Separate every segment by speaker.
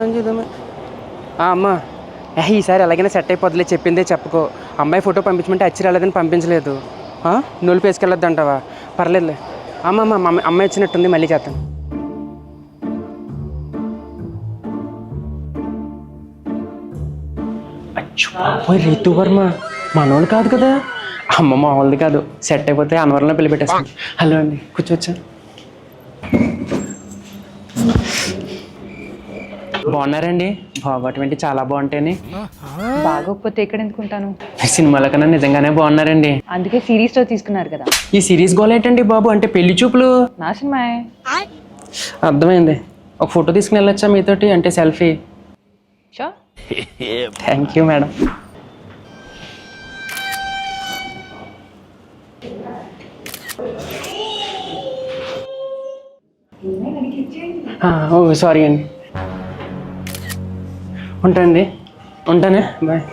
Speaker 1: అమ్మా ఈసారి ఎలాగైనా సెట్ అయిపోద్దులే, చెప్పిందే చెప్పుకో. అమ్మాయి ఫోటో పంపించమంటే అచ్చి రాలేదని పంపించలేదు. నొలిపి వేసుకెళ్ళొద్దు అంటావా? పర్లేదులే. అమ్మాయి వచ్చినట్టుంది, మళ్ళీ చేస్తాను. అచ్చో రీతు వర్మ మనోళ్ళు కాదు కదా? అమ్మ మామూలుది కాదు. సెట్ అయిపోతే అన్వరంలో పెళ్లి పెట్టేస్తాను. హలో అండి, కూర్చోవచ్చా? బాగున్నారండి? బాగోటం చాలా బాగుంటాయని.
Speaker 2: బాగోకపోతే ఎక్కడ ఎందుకుంటాను?
Speaker 1: సినిమాల కన్నా నిజంగానే బాగున్నారండి.
Speaker 2: అందుకే సిరీస్ లో తీసుకున్నారు కదా.
Speaker 1: ఈ సిరీస్ గోల్ ఏంటండి బాబు? అంటే పెళ్లి చూపులు
Speaker 2: నా సినిమాయే.
Speaker 1: అర్థమైంది. ఒక ఫోటో తీసుకుని వెళ్ళొచ్చా మీతోటి? అంటే selfie.
Speaker 2: So
Speaker 1: thank you madam. ఓ సారీ అండి. ఉంటానండి, ఉంటానే, బాయ్.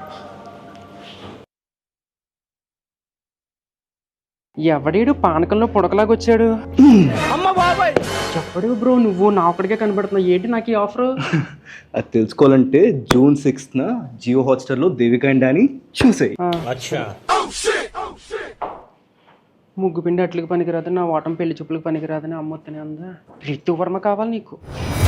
Speaker 1: ఎవడీడు పానకంలో పుడకలాగా వచ్చాడు? చెప్పడు బ్రో, నువ్వు నా ఒక్కడికే కనబడుతున్నావు ఏంటి నాకు ఈ ఆఫరు?
Speaker 3: అది తెలుసుకోవాలంటే June 6th జియో హాట్స్టార్లో దేవికా అండ్ డానీ చూసేయి.
Speaker 1: ముగ్గు పిండి అట్లకి పనికిరాదు, నా ఓటం పెళ్లి చూపులకు పనికిరాదని అమ్మొత్తనే ఉందా. రితు వర్మ కావాలి నీకు.